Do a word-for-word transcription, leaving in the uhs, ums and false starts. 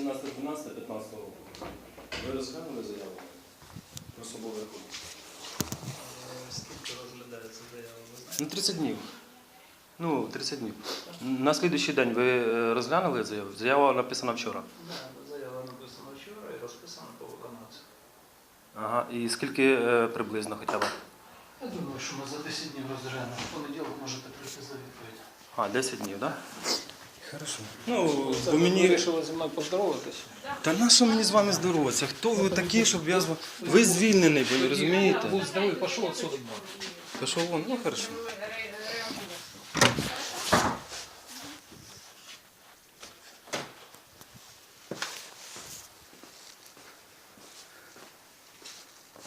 сімнадцяте дванадцяте п'ятнадцятого року. Ви розглянули заяву про особовий рахунок? Скільки розглядається заява, ви знаєте? Ну, тридцять днів. Ну, тридцять днів. На слідуючий день ви е, розглянули заяву? Заява написана вчора. Да, заява написана вчора і розписана по виконавцю. Ага. І скільки е, приблизно хоча б? Я думаю, що ми за десять днів розглянемо. В понеділок можете прийти за відповідь. А, десять днів, так? Да? Хорошо. Ну, Це бо ви мені... вирішили зі мною поздороватися? Та на що мені з вами здороватися? Хто ви такі, щоб я з вами... Ви звільнений, ви розумієте? Будь здоровий, пішов відсюди. Пішов вон, ну хорошо.